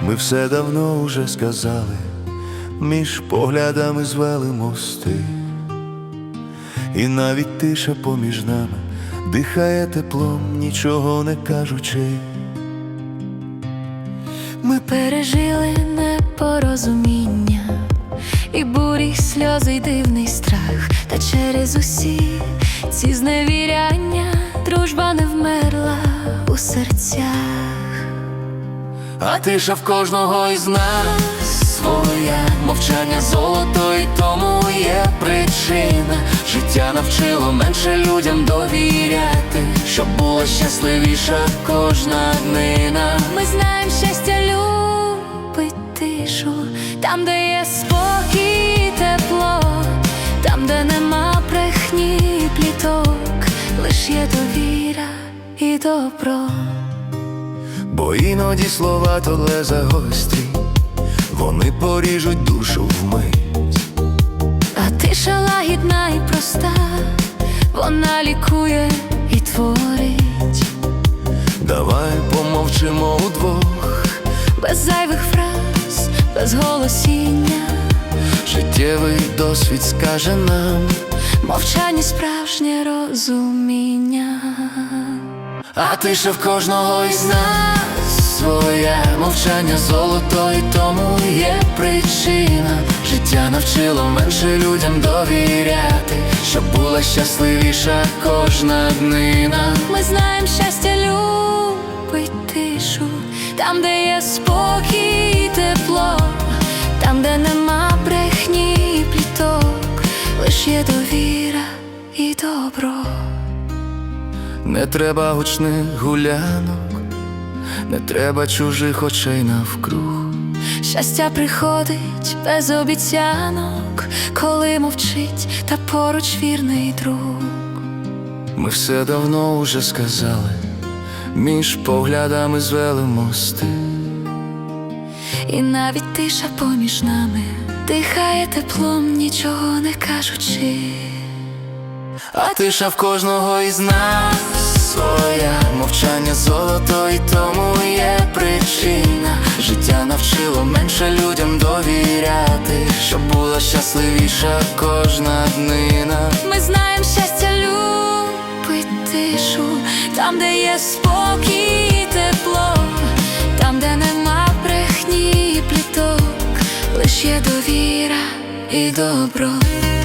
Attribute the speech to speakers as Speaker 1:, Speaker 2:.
Speaker 1: Ми все давно уже сказали, між поглядами звели мости, і навіть тиша поміж нами дихає теплом, нічого не кажучи.
Speaker 2: Ми пережили непорозуміння, і бурі, і сльози, й дивний страх. Та через усі ці зневіряння дружба не вмерла у серцях.
Speaker 1: А тиша в кожного із нас своя, мовчання золото, і тому є причина. Життя навчило менше людям довіряти, щоб була щасливіша кожна днина.
Speaker 2: Ми знаємо, щастя любить тишу, там, де є спокій і тепло, там, де нема брехні і пліток, лиш є довіра і добро.
Speaker 1: Бо іноді слова то леза гострі, вони поріжуть душу вмить.
Speaker 2: А тиша лагідна і проста, вона лікує і творить.
Speaker 1: Давай помовчимо удвох,
Speaker 2: Без зайвих фраз, без голосіння,
Speaker 1: життєвий досвід скаже нам,
Speaker 2: мовчання справжнє розуміння.
Speaker 1: а тиша в кожного із нас своя, мовчання золото, і тому є причина. Життя навчило менше людям довіряти, щоб була щасливіша кожна днина.
Speaker 2: Ми знаємо, щастя любить тишу, там, де є спокій і тепло, там, де нема брехні і пліток, лиш є довіра і добро.
Speaker 1: Не треба гучних гулянок, не треба чужих очей навкруг.
Speaker 2: Щастя приходить без обіцянок, коли мовчить та поруч вірний друг.
Speaker 1: Ми все давно уже сказали, між поглядами звели мости,
Speaker 2: І навіть тиша поміж нами дихає теплом, нічого не кажучи.
Speaker 1: а тиша в кожного із нас своя, мовчання золото, і тому є причина. Життя навчило менше людям довіряти, щоб була щасливіша кожна днина.
Speaker 2: Ми знаємо, щастя любить тишу, там, де є спокій і тепло, там, де нема брехні і пліток, лиш є довіра і добро.